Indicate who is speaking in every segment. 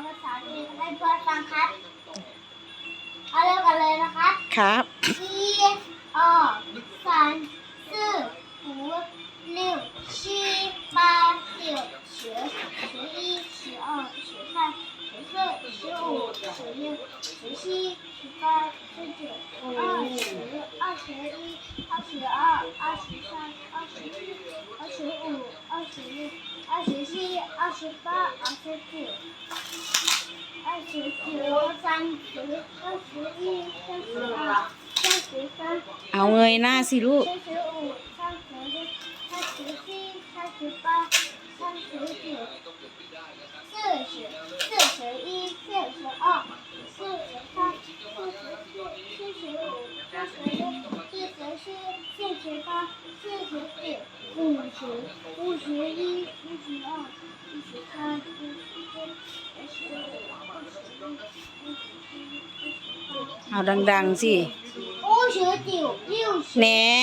Speaker 1: ภาษาจีนให้เพื่อนฟังครับเอาเริ่มกันเลยนะครับ
Speaker 2: ครับ
Speaker 1: 一二三四五六七八九十11121314151617181920 21 22 23 24 25 26 27 28 29
Speaker 2: เอาเงยหน้าสิลูกเอาดังๆสิแหน่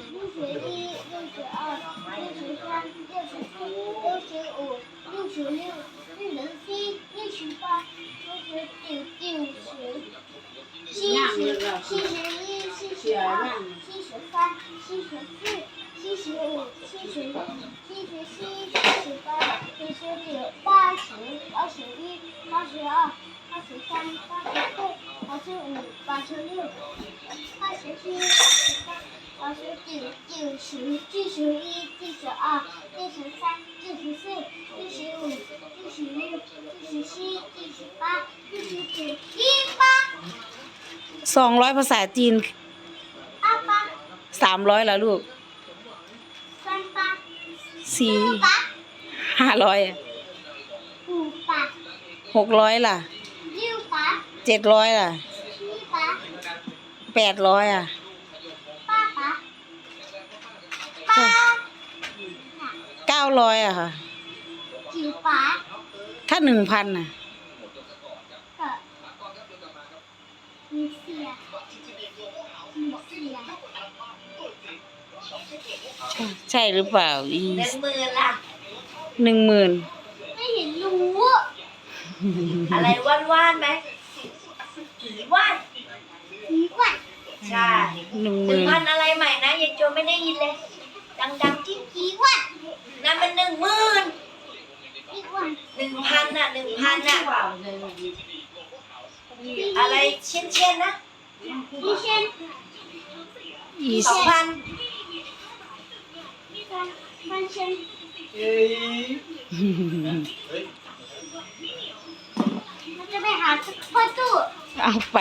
Speaker 2: 200ภาษาจีน300แล้วลูก500อ่ะ600ล่ะ700ล่ะ800อ่ะ900อ่ะค่ะถ้า 1,000น่ะใช่หรือเปล่า
Speaker 3: 10,000ล่ะ
Speaker 2: 10,000
Speaker 1: ไม่เห็นรู้
Speaker 3: อะไรว่านๆไหมผีว่านใช่1,000อะไรใหม่นะยายโจไม่ได้ยินเลยดังๆที่ผีว่านนั่นมัน10,000 1,000น่ะ1,000น่ะอะไรเช่นนะ2,000
Speaker 1: มันจะไปหาพ่อตู้
Speaker 2: เอาไป